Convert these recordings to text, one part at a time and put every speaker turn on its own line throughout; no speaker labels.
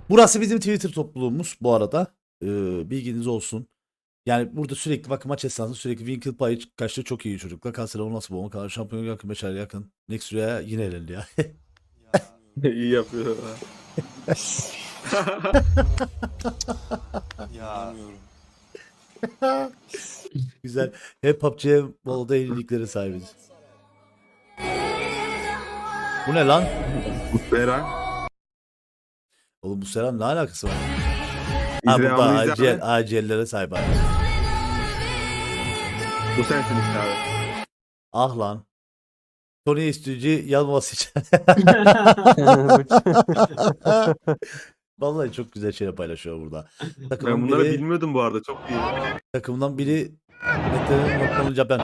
Burası bizim Twitter topluluğumuz bu arada. Bilginiz olsun. Yani burada sürekli bakın maç esnasında sürekli Winkle payı kaçtı çok iyi çocuklar. Kanser nasıl bu? Kadar şampiyon yakın, Beşer yakın. Next Rüya yine elendi ya.
İyi yapıyor.
Ya.
Güzel. Hep PUBG'ye bolda yenilikleri sahibiz. Bu ne lan?
Beren.
Oğlum bu selam ne alakası var? Ha
İzle
burada
ama izle.
ACL'lere sahip abi.
Bu sensin işte abi.
Ah lan. Tony Estücü yanması için. Vallahi çok güzel şeyler paylaşıyor burada.
Ben
Takımın
bunları
biri,
bilmiyordum bu arada. Çok iyi.
takımdan biri Mete'nin noktalanınca ben.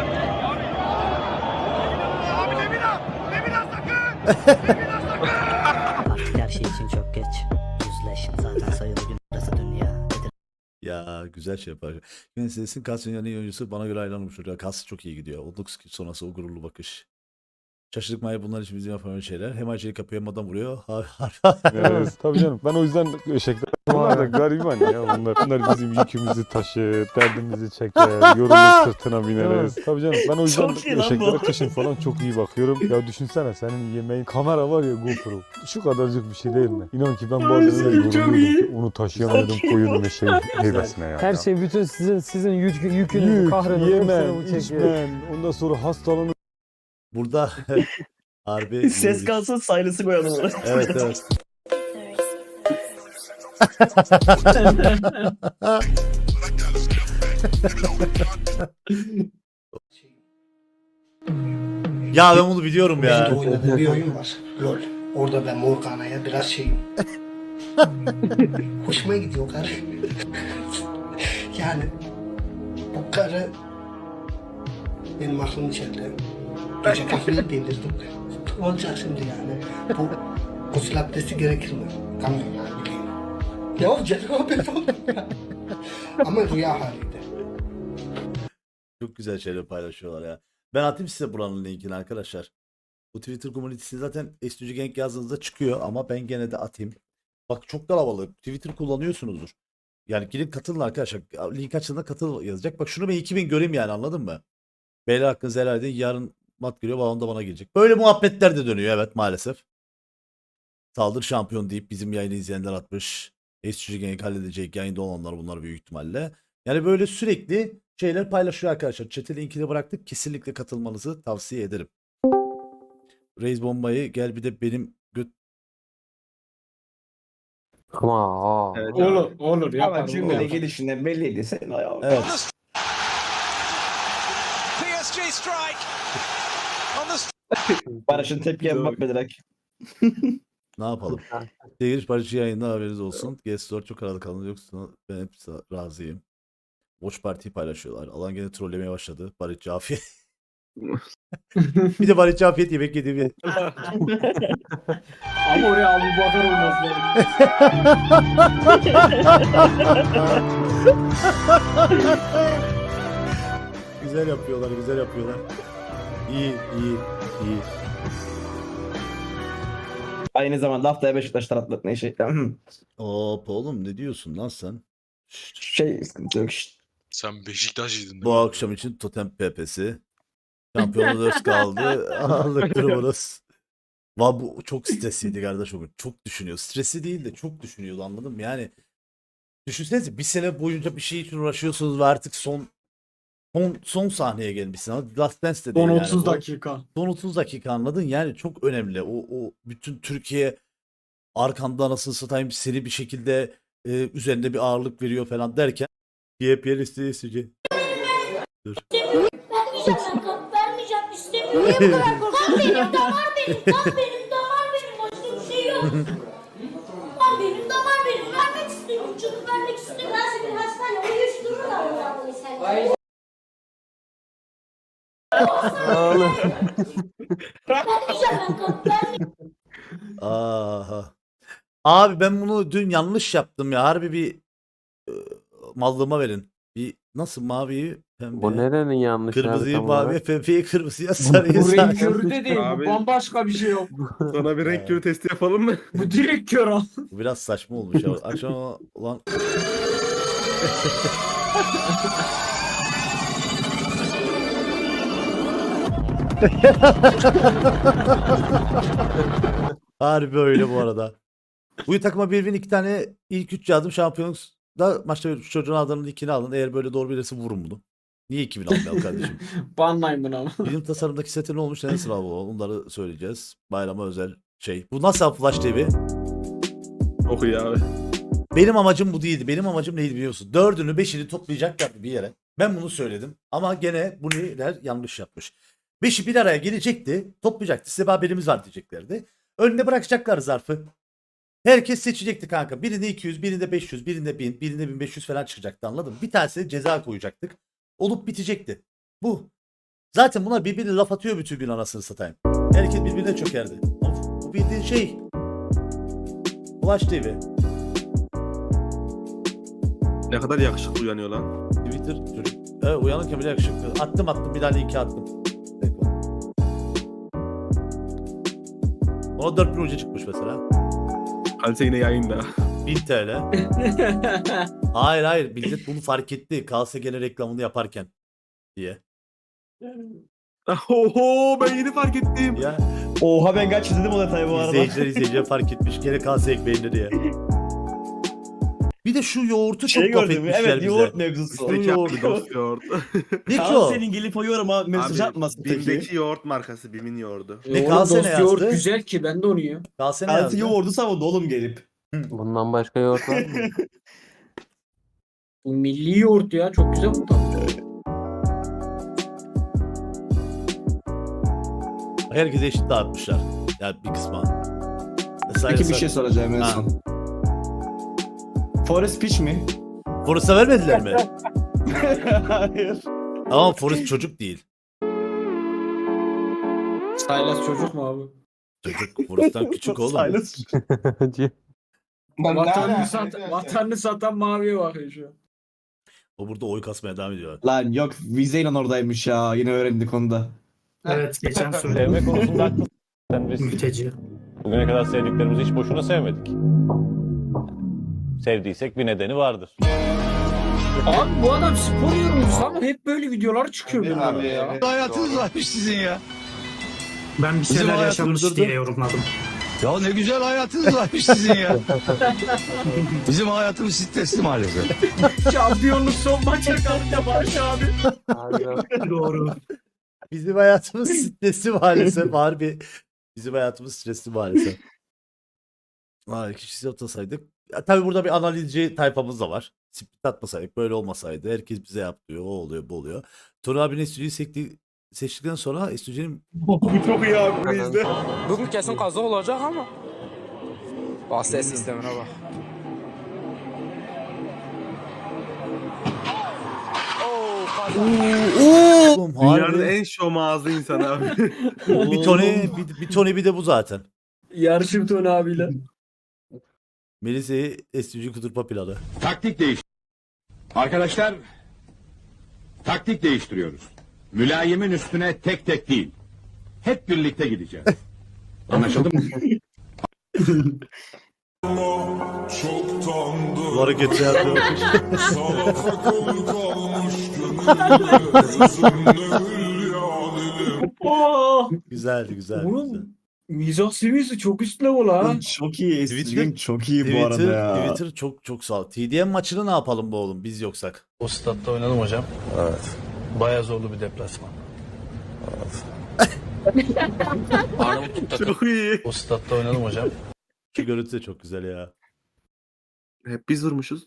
Artık her şey için çok geç. Yüzleş. Zaten sayılı gün burası dünya.
Ya güzel şey yapar. Yunus'un Kas dünyanın en iyi oyuncusu bana göre ayrılmıştır. Ya Kas çok iyi gidiyor. 19 sonrası o gururlu bakış. Şaşırdık Maya bunlar için bizim yapamayacağımız şeyler. Hem acele kapıya hem adam vuruyor.
Evet, tabii canım. Ben o yüzden eşekler bunlar da gariban ya. Bunlar bizim yükümüzü taşır, derdimizi çeker, yorulur sırtına bineriz. Tabii canım. Ben o yüzden
Çok iyi lan
eşeklere
bu.
kışın falan çok iyi bakıyorum. Ya düşünsene senin yemeğin kamera var ya GoPro. Şu kadarcık bir şey değil mi? İnan ki ben bazen öyle
Çok
yoruluyordum
iyi.
ki onu taşıyamıyordum
Çok iyi
koyun eşeğin heybesine ya.
Her şey bütün sizin yükünüzü,
Yük,
kahrınızı hepsini
yemen,
bu çekiyor.
içmen, ondan sonra hastalanıp
Burada harbi
Ses kalsın saylısı koyalım oraya.
Evet evet. Ya ben bunu biliyorum
Benim de
ya.
oynadığım bir oyun var. LOL. Orada ben Morgana'ya biraz şeyim. Hoşuma gidiyor karı. Yani bu karı benim aklım içeride. Gece kafayı delirdim. Olacak şimdi yani. Bu gusül abdesti gerekir mi? Tamam yani bileyim. Ya cenabet oldum ya. Ama rüya haliydi.
Çok güzel şeyler paylaşıyorlar ya. Ben atayım size buranın linkini arkadaşlar. Bu Twitter komünitesi zaten Estücü Genk yazdığınızda çıkıyor ama ben gene de atayım. Bak çok kalabalık. Twitter kullanıyorsunuzdur. Yani gidin katılın arkadaşlar. Link açıldığında katıl yazacak. Bak şunu ben 2000 göreyim yani anladın mı? Beyler hakkınızı helal edin. Yarın mat geliyor. Balon da bana gelecek. Böyle muhabbetler de dönüyor evet maalesef. Saldır şampiyon deyip bizim yayını izleyenler atmış. Estücü Genk halledecek. Yayında olanlar bunlar büyük ihtimalle. Yani böyle sürekli şeyler paylaşıyor arkadaşlar. Chat'e linkini bıraktık. Kesinlikle katılmanızı tavsiye ederim. Reis bombayı gel bir de benim göt...
Ama
Evet,
Olur
Ama
yapar.
cümle gelişinden belliydi sen ayağı.
Evet.
Barış'ın tepkiye
Çok-
bakma direkt.
Ne yapalım? Seyir Barış'ı yayında haberiniz olsun. Guest çok arada kalın yoksa ben hep razıyım. Watch Party'yi paylaşıyorlar. Alan gene trollemeye başladı. Barış Cafiyet. Bir de Barış Cafiyet yemek yediğimi.
Ama oraya Abu Bakar olmaz lazım.
Güzel yapıyorlar, güzel yapıyorlar. İyi, iyi, iyi.
Aynı zamanda haftaya Beşiktaş taraftarı şey.
Hop oğlum ne diyorsun lan sen?
Şey sıkıntı yok. Şşt.
Sen Beşiktaşlıydın
Bu akşam için Totem PP'si. Şampiyonu 4 kaldı. Aldık durumunuz. Bu çok stresliydi kardeş o gün. Çok düşünüyor. Stresli değil de çok düşünüyordu anladın mı? Yani düşünsenize bir sene boyunca bir şey için uğraşıyorsunuz ve artık son sahneye gelmişsin. Ama Last Dance de değil
Son
yani.
30
O-
dakika.
Son 30 dakika anladın yani çok önemli. O bütün Türkiye arkanda anasını satayım seni bir şekilde üzerinde bir ağırlık veriyor falan derken yepyeni isteyeceğim. Dur.
Vermeyeceğim ben vermeyeceğim istemiyorum. Niye bu kadar korkuyorsun? Kan benim damar benim damar benim başka bir şey yok. Kan benim damar benim vermek istemiyorum çünkü vermek istemiyorum. Nasıl bir hastane uyuştururlar mı ya bunu sen? Vermeyeceğim ben kan vermeyeceğim.
Aha. Abi ben bunu dün yanlış yaptım ya. Harbi bir mallığıma verin. Bir nasıl maviyi
Bu
pembe,
nerenin yanlışı abi
kırmızıyı
tam olarak?
maviye, pembeyi kırmızıya, sarıyı
Bu renk
sarı.
körü de değil.
Abi-
Bu bambaşka bir şey yok.
Sana bir renk körü testi yapalım mı?
Bu direkt kör al.
Bu biraz saçma olmuş ya. Akşam ulan harbi öyle bu arada. Bu takıma bir win 2 tane ilk 3 yazdım. Şampiyonlukta maçta şu çocuğun adının ikini alın. Eğer böyle doğru bilirse vurun bunu. Niye 2000 almayalım kardeşim?
Banlayın bunu ama.
Bilim tasarımdaki setin ne olmuş, ne sınav bu? Onları söyleyeceğiz. Bayrama özel şey. Bu nasıl Flash TV?
Çok iyi abi.
Benim amacım bu değildi. Benim amacım neydi biliyorsun? 4'ünü 5'ini toplayacaklardı bir yere. Ben bunu söyledim. Ama gene bunlar yanlış yapmış. 5'i bir araya gelecekti. Toplayacaktı. Size bir haberimiz var diyeceklerdi. Önüne bırakacaklar zarfı. Herkes seçecekti kanka. Birinde 200, birinde 500, birinde 1000, birinde 1500 falan çıkacaktı, anladın mı? Bir tanesine ceza koyacaktık. Olup bitecekti. Bu. Zaten bunlar birbirine laf atıyor bütün gün, anasını satayım. Herkes birbirine çökerdi. Ama bu bildiğin şey. Flash TV.
Ne kadar yakışıklı uyanıyor lan.
Twitter çocuk. Evet, uyanırken bile yakışıklı. Attım bir tane iki attım. Ona 4000 ucu çıkmış mesela.
Kalite yine yayında.
1000 TL. Hayır millet bunu fark etti. Kalse gene reklamını yaparken diye.
Oho, ben yeni fark ettim.
Ya
Oha ben kaç izledim o detayı bu arada.
izleyiciler fark etmiş. Gene kalse ekmeğinde diye. Bir de şu yoğurtu çok
Şey
laf
gördüm.
etmişler
Evet
bize.
yoğurt mevzusu.
Üstteki
yoğurt.
abi dost yoğurt.
Ne ki
Kaan
o?
senin gelip o yoruma mesaj atmasın peki.
Bim'deki yoğurt markası. Bim'in yoğurdu.
Ne
Oğlum
kalse ne
dost yoğurt
yazdı?
güzel ki ben de onu yiyorum.
Kalse ne
Kalsi
yazdı?
yoğurdu savundu oğlum gelip.
Bundan başka yoğurt var mı?
Bu milli yoğurt ya çok güzel bu tadı.
Herkese eşit dağıtmışlar. Yani bir kısma. Mesela
Peki bir şey soracağım en
Ha.
son. Forest Peach mi?
Forrest'a vermediler mi?
Hayır.
Ama Forrest çocuk değil.
Silas çocuk mu abi?
Çocuk Forrest'tan küçük oğlum.
Silas.
Vatanını satan maviye bakıyor şu an.
O burada oy kasmaya devam ediyor.
Lan yok vizeyle oradaymış ya. Yine öğrendik onu da.
Evet geçen
Sevme konusunda haklısın. Biz
Mülteci.
bugüne kadar sevdiklerimizi hiç boşuna sevmedik. Sevdiysek bir nedeni vardır.
Abi bu adam spor yorumcusu ama hep böyle videolar çıkıyor benim
abi,
ya.
Hayatınız varmış sizin ya.
Ben bir
şeyler yaşanmış diye
yorumladım.
Ya ne güzel hayatınız varmış sizin ya. Bizim hayatımız stresli maalesef.
Şampiyonluk son maça kalınca Barış abi.
Harbiden.
Doğru.
Bizim hayatımız stresli maalesef harbi. Bizim hayatımız stresli maalesef. Kişisi atasaydık. Ya, tabii burada bir analizci tayfamız da var. Split atmasaydık, böyle olmasaydı. Herkes bize yap diyor. O oluyor, bu oluyor. Tuna abinin stüdyoyu seçtikten sonra stüdyonun
Bu çok iyi abi. Bunu izle.
Bugün kesin kaza olacak ama. Bak ses sistemine bak.
Oğlum,
Dünyanın
harbi.
en şom ağzı insanı abi.
Bir Tony bir de bu zaten.
Yarışım Tony abiyle.
Melisa'yı estüdyo kuturpa planı.
Taktik değiş. Arkadaşlar, taktik değiştiriyoruz. Mülayimin üstüne tek tek değil. Hep birlikte gideceğiz. Anlaşıldı mı?
Bu hareketi yapıyor. Güzeldi güzel.
Bunun mizah seviyesi çok üst level ha.
Çok iyi. Stream çok iyi bu
Twitter,
arada ya.
Twitter çok sağ ol. TDM maçını ne yapalım bu oğlum biz yoksak?
O statta oynadım hocam. Evet. Baya zorlu bir deplasman. Arnavutluk takım.
Çok iyi.
O statta oynadım hocam.
Şu görüntü de çok güzel ya.
Hep biz vurmuşuz.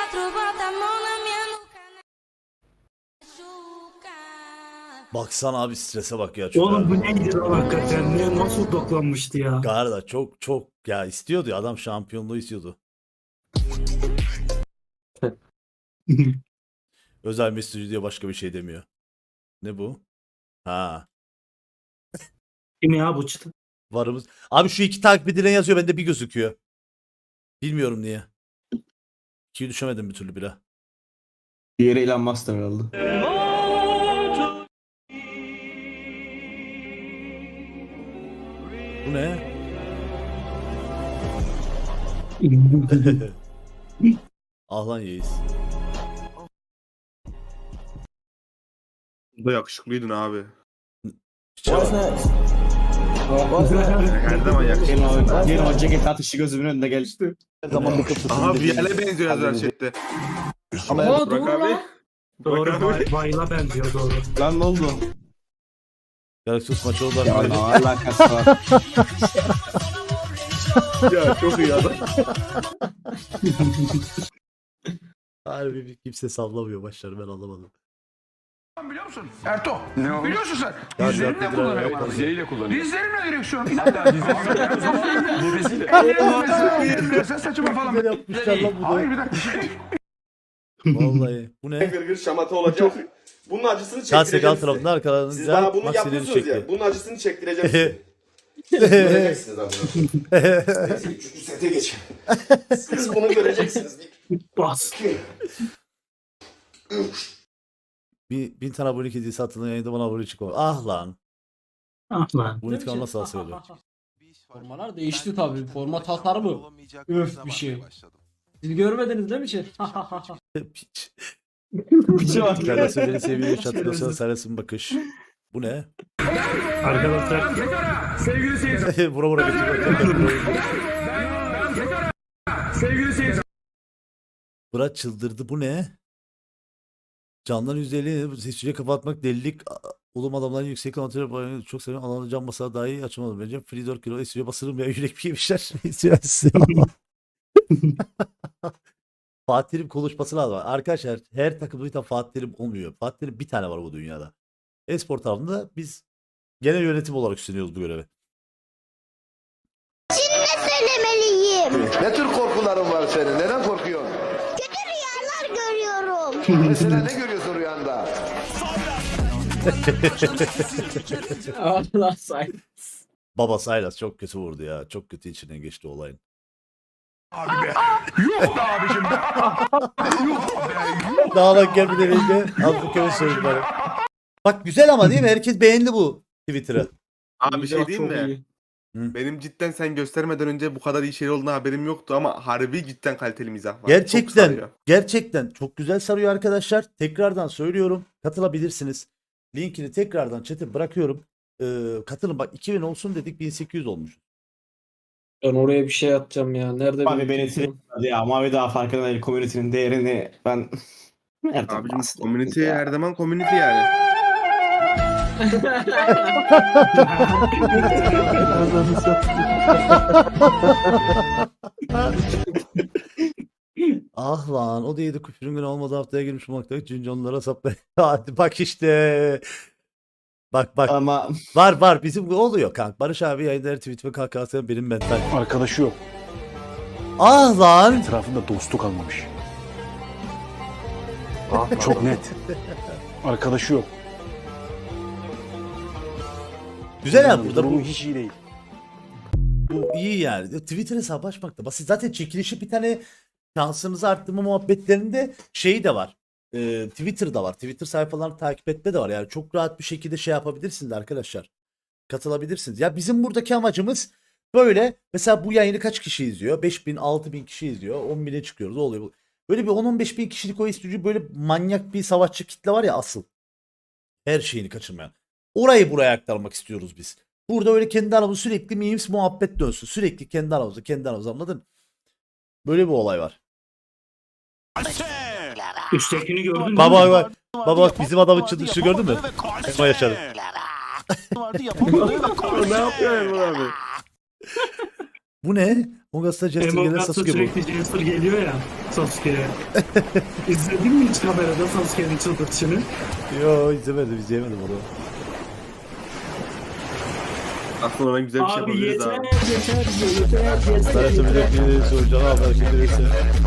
Baksana abi, strese bak ya. Çok
Oğlum bu neydi lan hakikaten? Ne nasıl doklanmıştı ya?
Garda çok ya istiyordu ya, adam şampiyonluğu istiyordu. Özel mesajı diye başka bir şey demiyor. Ne bu? Ha.
Kim ya bu çıtı?
Varımız. Abi şu iki takip edilen yazıyor, bende bir gözüküyor. Bilmiyorum niye. İkiyi düşemedim bir türlü bile.
Diğeri Elon Musk herhalde.
Bu ne? Ah lan Yeis.
Bu da yakışıklıydın abi.
Çal.
Her zaman yakışıklı.
Gelin o ceket atışı gözümün önünde gelişti.
Her zaman bir kapısını
Aha
dinleyin.
Vial'e benziyor yazar chatte.
Aa doğru
Burak abi.
lan.
Burak abi.
Bayla benziyor doğru.
Lan ne oldu?
Galaxy maçı oldu
Ya
arkadaşlar.
ne alakası var?
Ya çok iyi adam.
Harbi bir kimse sallamıyor başları, ben anlamadım.
Biliyor musun? Erto. Ne o? Biliyorsun sen.
Ya
Dizlerini de
zaten
kullanıyor
evet,
bana.
dizleriyle
kullanıyor. Dizlerimle direksiyon. Hatta dizleriyle. Ellerimle saçıma falan.
Güzel yapmışlar lan bu da.
Hayır bir dakika.
Vallahi. Bu ne?
Gırgır şamata olacak. Bunun acısını
Şahsi
çektireceğim
gal
size.
tarafında arkalarında
Siz bana bunu
maksileri
yapıyorsunuz ya.
çekti.
Bunun acısını çektireceğim size. Göreceksiniz abi. Neyse 3. sete geçelim. Siz bunu göreceksiniz.
Bas.
Bin tane abone hediye satılan yayında bana abone çıkıyor. Ah lan.
Ah lan.
Bu intikam nasıl asılıyor?
Formalar değişti tabii. Forma tasarımı. Öf bir şey. Siz görmediniz değil mi şey?
Piç.
Piçe bak.
Serası beni seviyor. Çatıyorsa Seras'ın bakış. Bu ne?
Arkadaşlar.
Sevgili seyirciler.
Vura vura götürüyor.
Sevgili seyirciler.
Fırat çıldırdı. Bu ne? Candan %50 seçiciye kafa atmak delilik. Oğlum adamların yüksek kontrolü bayını çok seviyorum. Alanı cam basar daha iyi açamadım. Bence free 4 kilo esiyor basırım ya, yürek bir yemişler. Fatih Terim konuşması lazım. Arkadaşlar her takımda bir tane Fatih Terim olmuyor. Fatih Terim bir tane var bu dünyada. E-spor tarafında biz genel yönetim olarak üstleniyoruz bu görevi.
Şimdi ne söylemeliyim?
Ne tür korkuların var senin? Neden korkuyorsun?
Kötü rüyalar görüyorum.
Mesela ne görüyorsun rüyanda?
Allah say.
Baba Saylas çok kötü vurdu ya. Çok kötü içinden geçti olayın.
Abi be. Yok be abicim be. Yok be.
Dağlak gel bir deneyde. Azlık köy söyleyeyim bana. Bak güzel ama değil mi? Herkes beğendi bu Twitter'ı.
Abi bir şey diyeyim
Çok
mi?
iyi.
Benim cidden sen göstermeden önce bu kadar iyi şey olduğuna haberim yoktu ama harbi cidden kaliteli mizah var. Çok
Gerçekten,
sarıyor.
gerçekten çok güzel sarıyor arkadaşlar. Tekrardan söylüyorum. Katılabilirsiniz. Linkini tekrardan chat'e bırakıyorum. Katılın bak, 2000 olsun dedik, 1800 olmuş.
Ben oraya bir şey atacağım ya. Nerede
Abi beni sinirlendirdi ya. Mavi daha farkında değil. Community'nin değerini ben... Nereden
Abicim
bahsettim
community
ya?
her zaman community yani.
Ah lan, o da 7 küfürün günü olmadı, haftaya girmiş olmakta. Çünkü onlara sapla. Hadi bak işte. Bak bak.
Ama
Var bizim oluyor kanka. Barış abi yayınları tweet ve KKS benim mental.
Arkadaşı yok.
Ah lan.
Etrafında dostu kalmamış.
Ah,
Çok net. Arkadaşı yok.
Güzel ya burada
Durumu
bu.
hiç iyi değil.
Bu iyi yani. Twitter hesabı açmak da basit. Zaten çekilişi bir tane şansınızı arttırma muhabbetlerinde şey de var. Twitter'da var. Twitter sayfalarını takip etme de var. Yani çok rahat bir şekilde şey yapabilirsiniz arkadaşlar. Katılabilirsiniz. Ya bizim buradaki amacımız böyle. Mesela bu yayını kaç kişi izliyor? 5000, 6000 kişi izliyor. 10.000'e çıkıyoruz. O oluyor. Böyle bir 10-15 bin kişilik o istücü, böyle manyak bir savaşçı kitle var ya asıl. Her şeyini kaçırmayan. Orayı buraya aktarmak istiyoruz biz. Burada öyle kendi aramızda sürekli memes muhabbet dönsün. Sürekli kendi aramızda anladın? Böyle bir olay var.
Üsttekini gördün mü?
Baba bak bizim adamın çıldırışı gördün mü? Ema yaşadı.
Ne yapıyor Erman abi?
Bu ne? Mogas'ta Jester gelir Sasuke bu.
sürekli Jester geliyor ya Sasuke'ye. İzledin mi hiç kamerada Sasuke'nin çıldırtışını?
Yo izlemedim onu.
Aslında ben güzel bir şey
Abi
yapabiliriz
yeter
abi.
yeter.
Sarısı bir de soracağım abi arkadaşlar.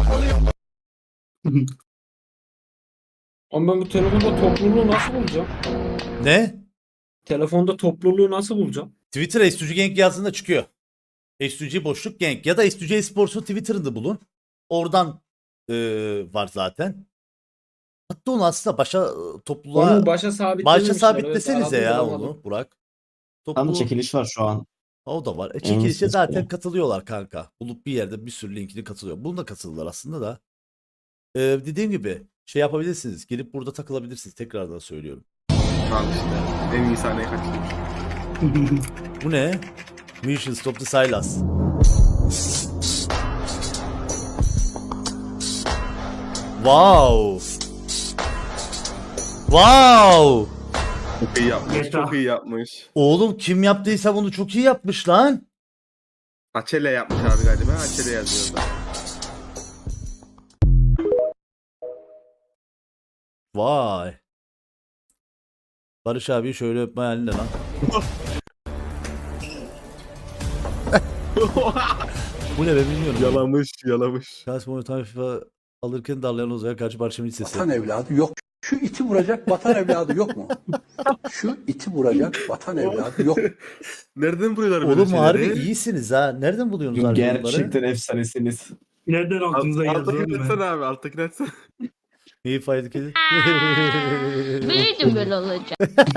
Ama ben bu telefonda topluluğu nasıl bulacağım?
Ne?
Telefonda topluluğu nasıl bulacağım?
Twitter S2G Gang yazdığında çıkıyor. S2G boşluk Gang ya da S2G Esports'u Twitter'ında bulun. Oradan var zaten. Hatta sabitle onu aslında başa topluluğa
Onu başa sabitlememişler.
sabitlesenize
evet,
ya
aradım,
onu
bulamadım.
Burak.
Tam
Topluluğu
çekiliş var şu an.
o da var.
Evet,
Çekilişe
evet.
zaten katılıyorlar kanka. Bulup bir yerde bir sürü linkini katılıyor. Bunu da katıldılar aslında da. Dediğim gibi şey yapabilirsiniz. Gelip burada takılabilirsiniz. Tekrardan söylüyorum.
Al işte. En iyi sahneyi kaçırmış.
Bu ne? Mission Stop the Silas. Wow. Wow.
Çok iyi yapmış. Çok iyi yapmış.
Oğlum kim yaptıysa bunu çok iyi yapmış lan.
Açele yapmış abi galiba. Açele yazıyordu.
Vay. Barış abi şöyle öpme halinde lan. Bu ne be bilmiyorum.
Yalamış.
Kasım FIFA alırken darlayan Ozan'a karşı Barış'ın sesi.
Vatan evladı yok. Şu iti vuracak vatan evladı yok mu? Şu iti vuracak vatan evladı yok.
Nereden buluyorlar böyle
Oğlum harbi
şeyleri?
iyisiniz ha. Nereden buluyorsunuz harbi bunları?
Gerçekten efsanesiniz.
Nereden aklınıza geldi
Alttakini
oğlum ya?
açsana abi. Alttakini açsana.
İyi faydalı kedi.
Büyüdüm böyle olacak.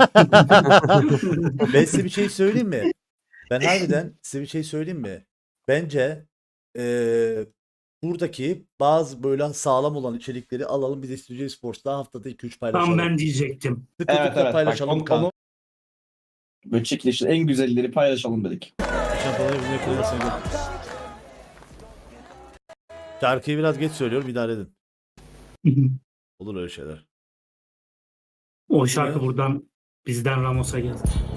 Ben size bir şey söyleyeyim mi? Ben harbiden size bir şey söyleyeyim mi? Bence buradaki bazı böyle sağlam olan içerikleri alalım. Biz de Studio Sports'ta haftada 2-3 paylaşalım.
Tam ben diyecektim.
Sıklıkla paylaşalım
Bak,
kanka.
Böyle çekilişin en güzelleri paylaşalım dedik.
Şampiyonlar Ligi'ne koyarsan gel. Şarkıyı biraz geç söylüyorum, idare edin. Olur öyle şeyler.
O şarkı buradan bizden Ramos'a geldi.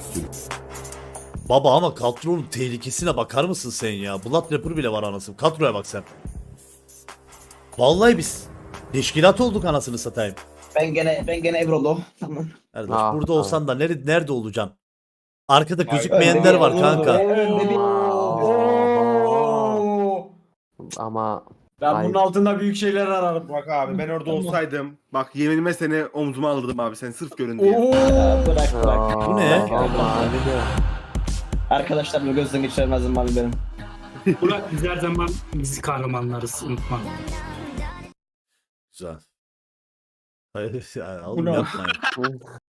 Baba ama kadronun tehlikesine bakar mısın sen ya? Blood Rapper bile var anasını. Kadroya bak sen. Vallahi biz teşkilat olduk anasını satayım.
Ben gene Evrolo. Tamam.
Kardeş
Ah,
burada
ah.
olsan da nerede olacaksın? Arkada gözükmeyenler var kanka.
Ama
Ben bunun altında büyük şeyler ararım.
Bak abi ben orada olsaydım. Bak yeminime seni omzuma alırdım abi. Sen sırf görün diye.
Bırak bırak.
Bu ne?
ama abi de
Arkadaşlarımı gözden geçiremezdim abi benim.
Burak biz her zaman biz kahramanlarız unutma.
Güzel. Hayır ya oğlum yapma ya.